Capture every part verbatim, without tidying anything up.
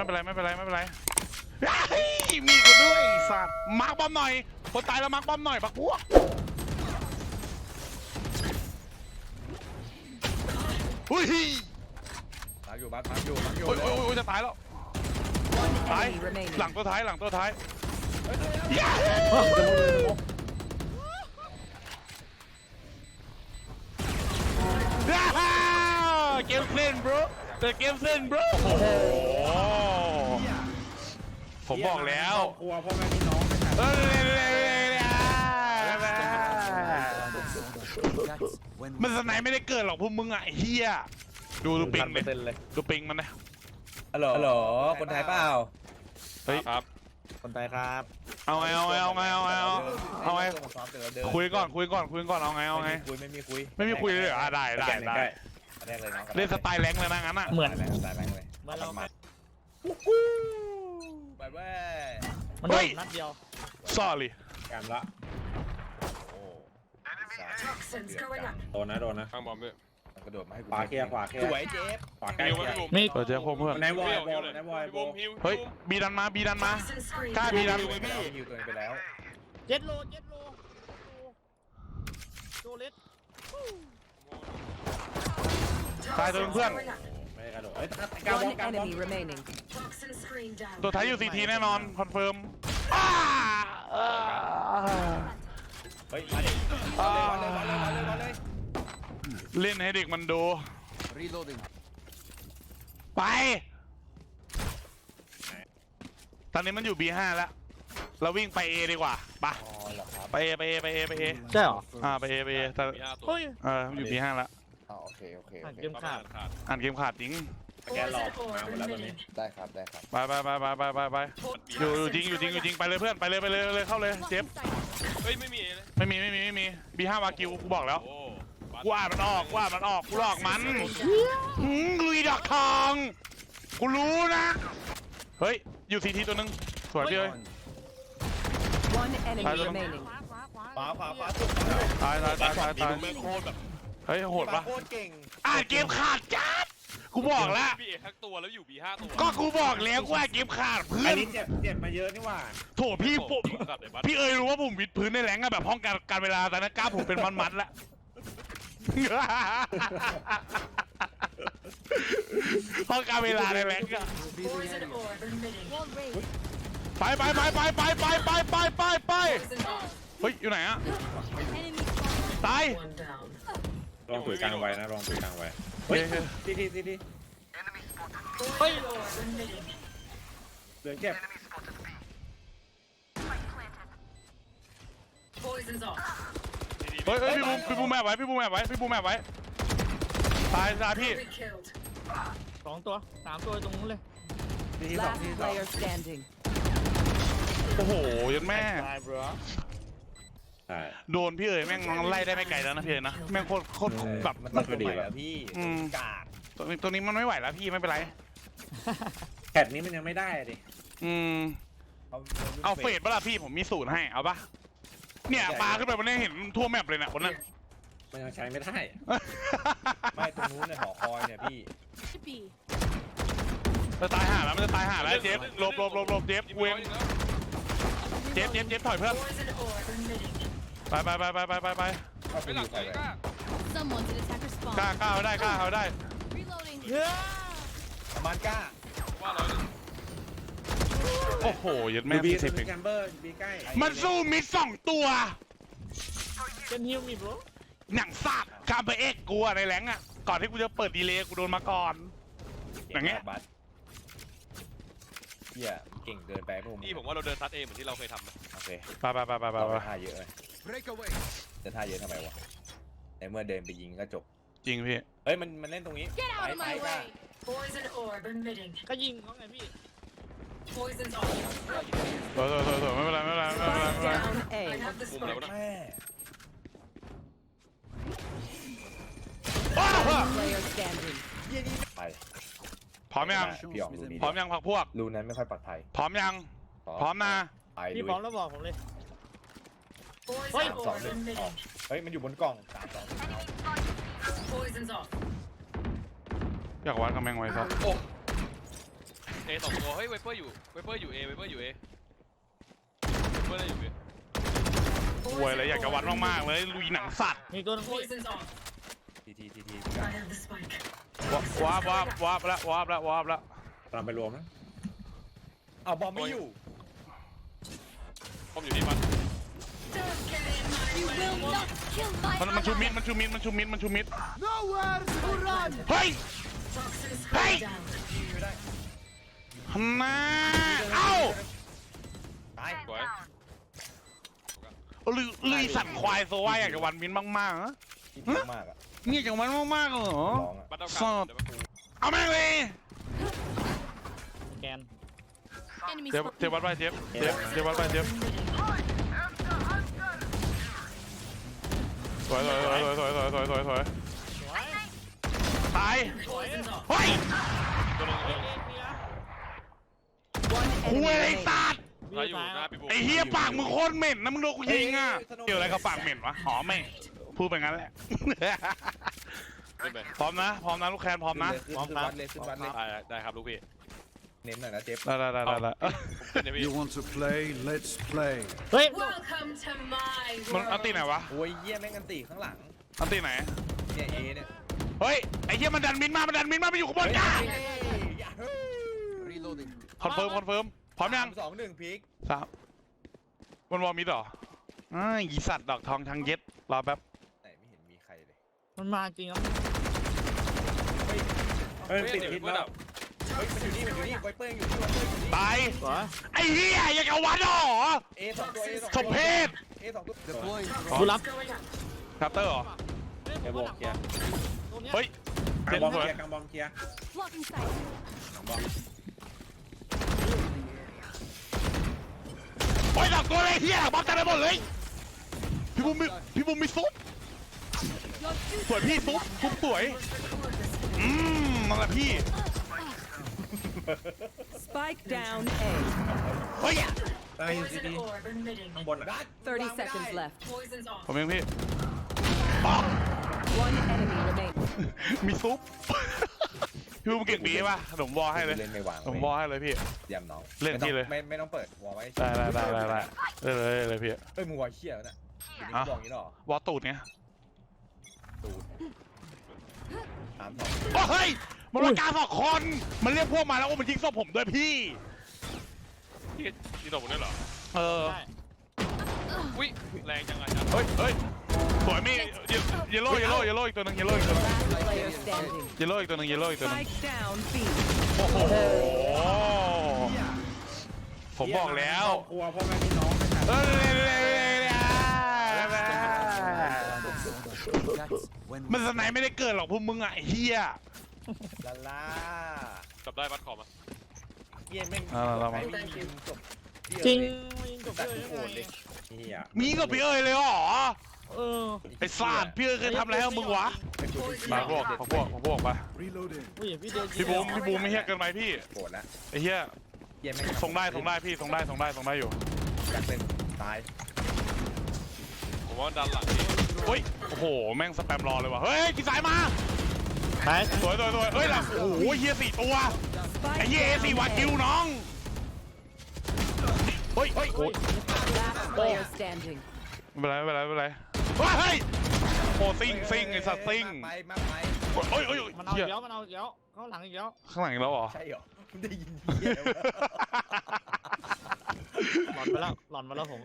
ไม่เป็นไรไม่เป็นไรไม่เป็นไรมีกูด้วยสัตว์มาร์กบอมหน่อยคนตายแล้วมาร์กบอมหน่อยปักพวกอุ้ยมาร์กอยู่มาร์กมาร์กอยู่มาร์กอยู่โอ้ยโอ้ยจะตายแล้วตายหลังตัวท้ายหลังตัวท้ายเกมเล่น bro แต่เกมเล่น bro โอ้โหผมบอกแล้วครัวพ่อแม่พี่น้องมันสไนไม่ได้เกิดหรอกพวกมึงอ่ะเฮียดูดูปิงเลยดูปิงมันนะฮัลโหลฮัลโหลคนไทยเปล่าเฮ้ยครับคนไทยครับเอาไงเอาไงเอาไงเอาไงเอาไงคุยก่อนคุยก่อนคุยก่อนเอาไงเอาไงคุยไม่มีคุยไม่มีคุยเลยอ่ะได้ได้ได้เล่นสไตล์แรงเลยนะงั้นอ่ะเหมือนสไตล์แรงเลยมาลองมาไปเว้ยมันโดนนัดเดียว sorry การละโดนนะโดนนะข้างบอมด้วยกระโดดมาให้กูขวาเคลียร์ขวาเคลียร์สวยเจฟขวาใกล้มีเปิดเจฟเพื่อนในวอยบอลในวอยบอลเฮ้ยบีดันมาบีดันมากล้าบีดันฮิวตัวเองไปแล้วเจ็ดโลเจ็ดโลโจเลสตายตัวเพื่อนไม่ได้กระโดดเฮ้ยกาวบอลกาวบอลตัวท้ายอยู่ซีทีแน่นอนคอนเฟิร์มเฮ้ยมาดิมาเลยมาเลยมาเลยมาเลยมาเลยเล่นให้เด็กมันดูไปตอนนี้มันอยู่ บี ห้า แล้วเราวิ่งไป A ดีกว่าปะไป A ไป A ไป A ไป A ใช่หรออ่าไป A ไป A แต่เฮ้ยเออมันอยู่ บี ห้า แล้วอ๋อโอเคโอเคอ่านเกมขาดอ่านเกมขาดจริงแกหลอกมาหมดแล้วตอนนี้ได้ครับได้ครับไปไปไปไปไปไปไปอยู่อยู่จริงอยู่จริงอยู่จริงไปเลยเพื่อนไปเลยไปเลยเลยเข้าเลยเจฟเฮ้ยไม่มีเลยไม่มีไม่มีไม่มี บี ห้า วากิวกูบอกแล้วกูอ่านมันออกกูอ่านมันออกกูหลอกมันลุยดอกทองกูรู้นะเฮ้ยอยู่ซีทีตัวนึงสวยพี่เอ้ยตายตัวนึงขวาขวาขวาตายตายตายตายตายเฮ้ยโหดปะอ่านเกมขาดจัดกูบอกแล้วบีเอทั้งตัวแล้วอยู่บีห้าตัวก็กูบอกแล้วว่าเกมขาดเพื่อนเจ็บเจ็บมาเยอะนี่ว่าโถพี่ผมพี่เอ๋ยรู้ว่าผมวิดพื้นในแรงอะแบบห้องการการเวลาแต่นะกล้าผมเป็นมันๆแล้วห้องการเวลาในแรงอะไปไปไปไปไปไปไปไปไปไปเฮ้ยอยู่ไหนอะตายลองตุ๋ยกลางไว้นะลองตุ๋ยกลางไว้เฮ้ยทีทีทีทีเฮ้ยเหลืองเก็บเฮ้ยเฮ้ยพี่บูมพี่บูมแม่ไว้พี่บูมแม่ไว้พี่บูมแม่ไว้ตายตายพี่สองตัวสามตัวตรงนู้นเลยทีทีสองทีสองโอ้โหยันแม่โดนพี่เอ๋ยแม่งไล่ได้ไม่ไกลแล้วนะพี่เอ๋ยนะแม่งโคตรโคตรแบบมันก็ดีแล้วพี่กาดตัวนี้ตัวนี้มันไม่ไหวแล้วพี่ไม่เป็นไรแพทนี้มันยังไม่ได้ดิอืมเอาเฟดป่ะล่ะพี่ผมมีสูตรให้เอาป่ะเนี่ยปลาขึ้นไปมันได้เห็นทั่วแมปเลยนะคนนั้นมันยังใช้ไม่ได้ไม่ตรงนู้นเนี่ยหอคอยเนี่ยพี่จะตายห่าแล้วมันจะตายห่าแล้วเจฟหลบหลบหลบหลบเจฟเวงเจฟเจฟเจฟถอยเพื่อนไปไปไปไปไปไปไปไปหลังไหนก้ากล้ากล้าเอาได้กล้าเอาได้ประมาณกล้าว่าเราโอ้โหยัดแม่บีสิบแคมเบอร์บีใกล้มันสู้มิดสองตัวเป็นฮิวมีบรหนังซากคาเบเอ็กกูอะในแรงอะก่อนที่กูจะเปิดดีเลย์กูโดนมาก่อนอย่างเงี้ยเฮียเก่งเกินไปพวกมึงนี่ผมว่าเราเดินซัดเองเหมือนที่เราเคยทำนะโอเคไปไปไปไปไปท่าเยอะเลยจะท่าเยอะทำไมวะในเมื่อเดินไปยิงก็จบจริงพี่เฮ้ยมันมันเล่นตรงนี้ไปไปก็ก็ยิงเขาไงพี่โถโถโถโถไม่เป็นไรไม่เป็นไรไม่เป็นไรไม่เป็นไรมุมแล้วนะไปพร้อมยังพร้อมยังพักพวกรูนั้นไม่ค่อยปลอดภัยพร้อมยังพร้อมนะพี่พร้อมแล้วบอกผมเลยเฮ้ยสองหนึ่งเฮ้ยมันอยู่บนกล่องสามสองอยากวัดกำแพงไว้ครับเอสองตัวเฮ้ยไวเปอร์อยู่ไวเปอร์อยู่เอไวเปอร์อยู่เอไวเปอร์ได้อยู่เอรวยเลยอยากจะวัดมากๆเลยลุยหนังสัตว์มีตัวนึงพี่ Poison's off. ทีทีทีที I have the spike. วาบวาบวาบแล้ววาบแล้ววาบแล้วตามไปรวมนะเอาบอมไม่อยู่ผมอยู่ที่มัน You will not kill มัน my มันชูมิดมันชูมิดมันชูมิดมันชูมิด Nowhere to run. เฮ้ย Toxins Hey! going down. ฮันน่าเอ้าตายสวยลุยลุยสัตว์ควายโซว่าอยากจะวันมินมากๆนะที่เยอะมากอะเนี่ยอยากวันมากๆเหรอร้องอะบัตเตอร์สกาอร์ดเดี๋ยวมาปูเอาแม่งเลยแกน Enemy เจ็บเจ็บวัดไปเจ็บเจ็บเจ็บวัดไปเจ็บสวยสวยสวยสวยสวยสวยสวยสวยสวยตาย Poison's off. เฮ้ยตัวนึงเฮ้ยเอ็นพีนะ One คุย enemy ไอ้ remaining. สัตว์ถ้าอยู่หน้าพี่บูไอ้เฮียปากมึงโคตรเหม็นนะมึงโดนกูยิงอ่ะเกี่ยวอะไรกับปากเหม็นวะหอมแม่งพูดไปงั้นแหละขึ้นไปพร้อมนะพร้อมนะลูกแคนพร้อมนะขึ้นวัดเลยขึ้นวัดเลยได้ได้ครับลูกพี่เน้นหน่อยนะเจ็บได้ได้ได้ได้ได้ผมขึ้นเนี่ยพี่ You want to play? Let's play. เฮ้ย Welcome to my มันอันตีไหน world. วะโอ้ยเยี่ยแม่งกันตีข้างหลังอันตีไหนเนี่ยเอเนี่ยเฮ้ยไอ้เฮียมันดันมินมามันดันมินมามันอยู่ข้างบนจ้า Reloading. คอนเฟิร์มคอนเฟิร์มพร้อมยังสองหนึ่งพีคสามมันวอร์มิดเหรออ้ายอีสัตว์ดอกทองทางเย็ดรอแป๊บไหนไม่เห็นมีใครเลยมันมาจริงครับเฮ้ยติดพิษแล้วเฮ้ยมันอยู่นี่มันอยู่นี่ไวเปอร์อยู่นี่ไวเปอร์อยู่นี่ตายสวยไอ้เฮียอยากเอาวัดเหรอเอสองตัวเอสองสมเพศเอสองตัว Deploying. กูรับ Going up. ครับเตอร์เหรอเฮ้ยผมว่าดักตัวเนี้ยเฮ้ยกาเจ็งดบอมสวยเคลียร์กางบอมเคลียร์ Blocking sight. กางบอมโอ้ยดอกตัวเลยเฮียบอลจัดไปหมดเลยพี่บุ้มมีพี่บุ้มมีซุปสวยพี่ซุปซุปสวยอืมนั่นแหละพี่ Spike down A. เฮ้ยตายอยู่ซี Poison ดี orb emitting. ข้างบนอ่ะ thirty seconds left. Poison's off. ผมเองพี่ป๊อก One enemy remaining. มีซุปพี่บุ้มเก่งดีป่ะผมบอลให้เลยเล่นไม่วางผมบอลให้เลยพี่ยำน้องเล่นที่เลยไม่ไม่ต้องเปิดวอลไว้ได้ได้ได้ได้ได้ได้เลยได้เลยพี่เฮ้ยมึงวอลเชี่ยแล้วน่ะอยู่นี่บอกอย่างนี้หรอวอลตูดไงตูดสามสองโอ้เฮ้ยมันรากาสองคนมันเรียกพวกมาแล้วโอ้มันยิงศพผมด้วยพี่พี่นี่ตกหมดเลยเหรอเออได้อุ้ยแรงจังอาจารย์เฮ้ยเฮ้ยสวยมี่เยลโล่เยลโล่เยลโล่อีกตัวหนึงเยลโล่อีกตัวหนึง Last player standing. เยลโล่อีกตัวหนึงเยลโล่อีกตัวหนึง Spike down B. โอ้โหผมบอกแล้วครัวพ่อแม่พี่น้องเอ้ย When มันสไนไม่ได้เกิดหรอกพวกมึงอ่ะไอ้เฮียลาลาจับได้บัตรคอมอ่ะเยี่ยแม่งใครไม่ยิงจบจริงมันยิงจบตัดเลยโหยังดไงเลยนี่อ่ะมีกับพี่เอ้ยเลยเหรอเออไอ้สัตว์พี่เอ้ยเคยทำอะไรให้มึงวะมาพวกพวกพวกมา reloading. อุ้ยพี่เดียวพี่บูมพี่บูมไม่เฮียเกินไปพี่โหดแล้วไอ้เฮียเยี่ยแม่งส่งได้ส่งได้พี่ส่งได้ส่งได้ส่งได้อยู่อยากเป็นตายผมว่าดันหลังพี่เฮ้ยโอ้โหแม่งสแปมรอเลยว่ะเฮ้ยกีสายมาไปสวยสวยสวยเฮ้ยล่ะโอ้โหเฮียสี่ตัวไอ้เฮียเอสี่วากิวน้องเฮ้ยเฮ้ยโอ้ย Last player standing. ไม่เป็นไรไม่เป็นไรไม่เป็นไรเฮ้ยโอ้ซิงซิงไอ้สัตว์ซิงไปมาไปเฮ้ยเฮ้ยมันเอาเฮีอียกแล้วมันเอาอีกแล้วเข้าหลังอีกแล้วข้างหลังอีกแล้วเหรอใช่เหรอได้ยินเยี่ยหลอนไปแล้วหลอนไปแล้วผม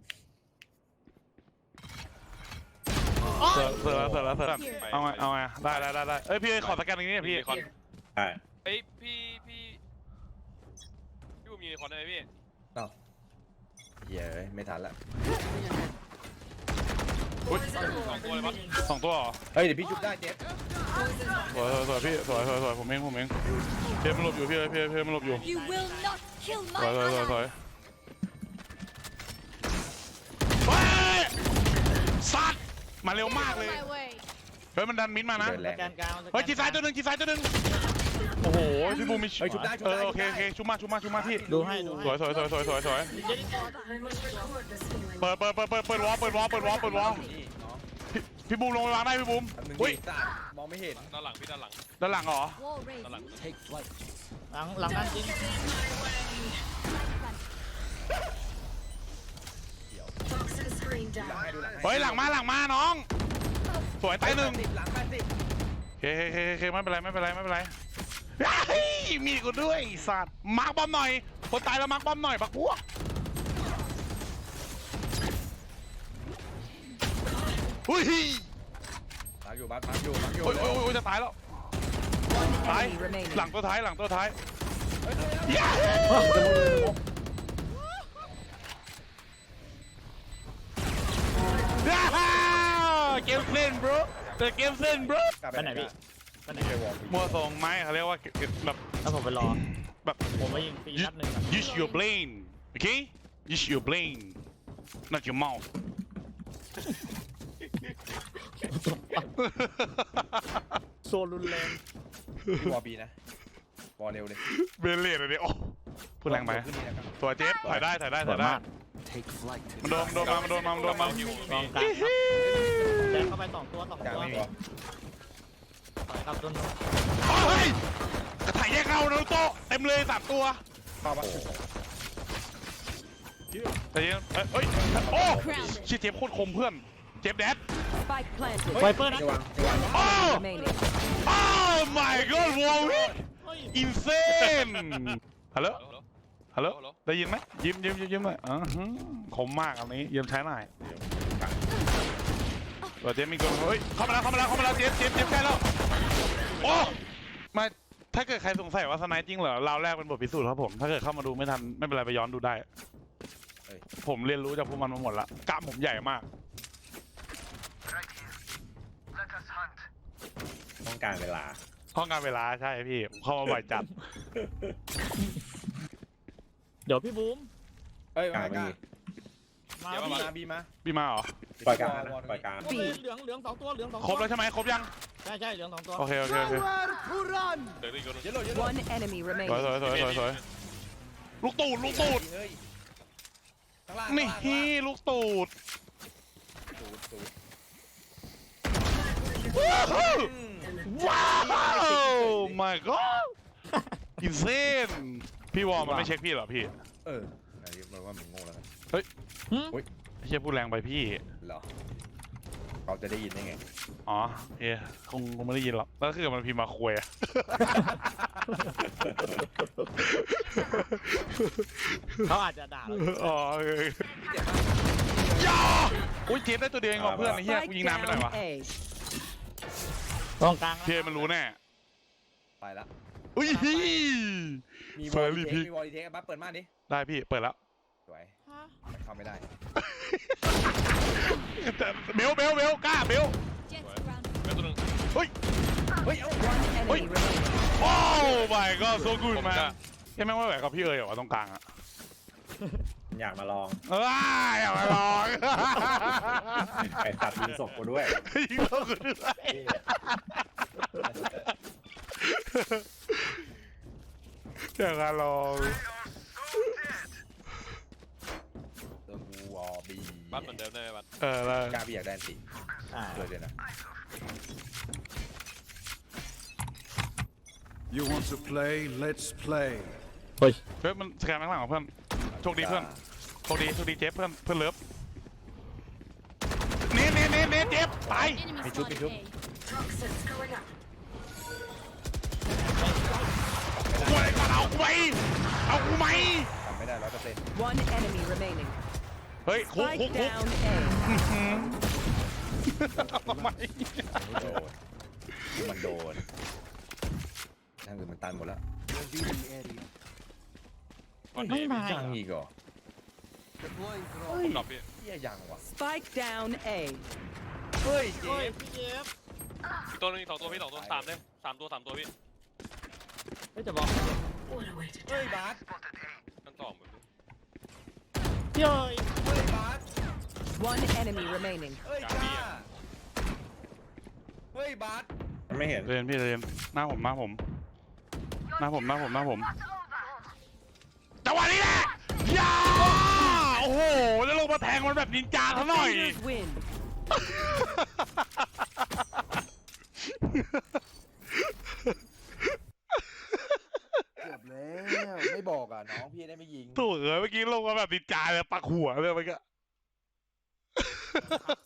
เสือเสือเสือเสือเอาไงเอาไงได้ได้ได้ได้เอ้ยพี่ขอสแกนตรงนี้พี่มีคอนใช่เอ้ยพี่พี่พี่บูมมีคอนได้ไหมพี่เยี่ยไม่ทันละ Poison orb Không, thôi, bắt. emitting. สองตัวเหรอเฮ้ยเดี๋ยวพี่ชุบได้เจ็บ Poison's off. สวยสวยสวยพี่สวยสวยสวยผมเองผมเองเพียมันหลบอยู่พี่เพียเพียมันหลบอยู่ You will not kill สวย my สวยสวยสวย ally. เฮ้ยสัตว์มาเร็วมากเลย My way. เฮ้ยมันดันมิ้นมานะเดินแรสงแกนกลางสแกนเฮ้ยจีซ้ายตัวหนึ่งจีซ้ายตัวหนึ่งโอ้โหพี่บูมมีเฮ้ยชุบได้ชุบเอได้อโอเคโอเคชุบมาชุบมาชุบมาพี่ดูให้ดูสวยสวยสวยสวยสวยสวยเดี๋ยวนี้ก่อน I must record this feeling. เปิดเปิดเปิดเปิดเปิดวอลเปิดวอลเปิดวอลเปิดวอลนี่น้องพี่พี่บูมลงไปวางได้พี่บูมแป๊บนึงอุ้ยดิจ้ามองไม่เห็นด้านหลังพี่ด้านหลังด้านหลังเหรอ Wall ด้านหลัง raised. หลังหลังนั่นจริง Toxin screen หลัง down. ให้ดูหลังให้เฮ้ยหลังมาหลังมาน้อง สวยตายหนึ่งหลังแปดสิบโอเคโอเคโอเคไม่เป็นไรไม่เป็นไรไม่เป็นไรเฮ้ยมีกูด้วยไอ้สัตว์มาร์กบอมหน่อยคนตายแล้วมาร์กบอมหน่อยปักพวกอุ้ยหลังอยู่บัสบัสอยู่หลังอยู่โอ้ยโอ้ยโอ้ยจะตายแล้ว One ตาย enemy remaining. หลังตัวท้ายหลังตัวท้ายเฮ้ยเฮ้ยเฮ้ยย้าฮ่าเกมเล่น bro แต่เกมเล่น bro กลับไปไหนพี่ไปไหนไปวอร์มมัวทรงไม้เขาเรียกว่าแบบแล้วผมไปรอแบบผมไปยิงฟรีนัดหนึ่งอะ use your brain okay use your brain not your mouth โซนรุนแรงพี่วอร์บีนะวอร์เร็วเลยเบลเลตเลยโอ้พูดแรงไปขึ้นนี่นะครับตัวเจ็บถ่ายได้ถ่ายได้ถ่ายได้ Take flight. มันโดนมันโดนมามันโดนมามันโดนมาอยู่กองกลางครับแดงเข้าไปสองตัวสองกลางตัวไม่มีต่อยครับต้นเฮ้ยกระถ่ายแยกเงานารูโตะเต็มเลยสามตัวเข้าปะแต่ยังเอ้ยโอ้ชิเจ็บโคตรคมเพื่อนเจ็บแดด Spike planted. ไวเปอร์นะจะวางจะวางโอ้ Remaining. โอ้ my god วอลวิเฮ้ยอินเซนฮัลโหลฮัลโหลฮัลโหลได้ยินไหมยิ้มยิ้มยิ้มยิ้มหน่อยอ่าฮะคมมากอันนี้ยิ้มใช้หน่อยตัวเจมมีคนเฮ้ยเข้ามาแล้วเข้ามาแล้วเข้ามาแล้วเจมเจมเจมใกล้แล้วโอ้มาถ้าเกิดใครสงสัยว่าสไนจริงเหรอเราแรกเป็นบทพิสูจน์ครับผมถ้าเกิดเข้ามาดูไม่ทันไม่เป็นไรไปย้อนดูได้ ผมเรียนรู้จากพวกมันมาหมดละกล้ามผมใหญ่มากต้องการเวลาห้องงานเวลาใช่พี่เข้ามาบ่อยจัดเดี๋ยวพี่บูมเฮ้ยกลางไม่มีมาบีพี่มาบีมาพี่มาเหรอปล่อยกลางนะปล่อยกลางโอ้ยเหลืองเหลืองสองตัวเหลืองสองตัวครบแล้วใช่ไหมครบยังใช่ใช่เหลืองสองตัวโอเคโอเคโอเคเดี๋ยวอีกคนเยอะเลยเยอะเลย One enemy สวย remaining. สวยสวยสวยสวยลูกตูดลูกตูดเฮ้ยข้างล่างนี่ข้างล่างลูกตูดตูดตูดว้าวว้าว my god อินเซนพี่วอลมันไม่เช็คพี่เหรอพี่เออไหนมันว่ามึงโง่แล้วกันหึไม่ใช่พูดแรงไปพี่เหรอเขาจะได้ยินได้ไงอ๋อเฮ้ยคงคงไม่ได้ยินหรอกแล้วคือมันพิมพ์มาคุยอะเขาอาจจะด่าเราอ๋อโอเคยาอุ้ยเจฟได้ตัวเดียวเองว่ะเพื่อนไอ้เหี้ยกู Spike ยิงนานไปหน่อยวะ down A. ตรงกลางเพียมันรู้แน่ไปละอุ้ยมีเฟวออร์ลรี่ลีพีเทคมีวอลลีเทคบัสเปิดม่านดิได้พี่เปิดแล้วสวยมันเข้าไม่ได้แต่เบลเบลเบลกล้าเบล Jets around. แม่ตัวหนึงเฮ้ยเอ้า One enemy remaining. โอ้ my god so good มาแค่แม่งไม่ไหวกับพี่เอ๋ยเหรอวะตรงกลางอะอยากมาลองเอ้ยอย่ามาลองไอ้ตัดยิงศพกูด้วยยิงเรากูด้วยอย่ามาลองตัวกูวอลบีบัสเหมือนเดิมได้ไหมบัสเออแล้วกล้าพี่อยากได้สิอ่าเลยเลยนะ You want to play? Let's play. เฮ้ยเฮ้ยมันสแกนข้างหลังของเพื่อนโชคดีเพื่อนโชคดีโชคดีเจฟเพื่อนเพื่อนเลิฟเน้นเน้นเน้นเน้นเจฟตาย Enemy spotted A. Toxins going up. กูอะไรก่อนเอากูไหมเอากูไหมทำไม่ได้ร้อยเปอร์เซ็นต์ One enemy remaining. เฮ้ยคุกคุก Spike คุก down A. ทำไมไม่โดนมันโดนนั่นคือมันตันหมดแล้วไม่มายังอีกเหรอหนอบพี่เฮียยังวะ Spike down A. เฮ้ยเจเฮ้ยฟพี่เจฟอีกตัวหนึงอีกสองตัวพี่สองตัวสามเลยสามตัวสามตัวพี่เฮ้ยจะบอก What a way to เฮ้ย die. บาสนั่นต่อเหมือนพี่เอ้ยเฮ้ยบาส One enemy remaining. เฮ้ยจ้าเฮ้ยบาสมันไม่เห็นเรียนพี่เรียนหน้าผมหน้าผมหน้าผมหน้าผมหน้าผมจังหวะนี้แหละยาโอ้โหแล้วลงมาแทงมันแบบนินจาซะหน่อย Defenders win. เกือบแล้วไม่บอกอ่ะน้องพี่ได้ไม่ยิงถูกเออเมื่อกี้ลงมาแบบดิจาเลยปักหัวเลยเมื่อกี้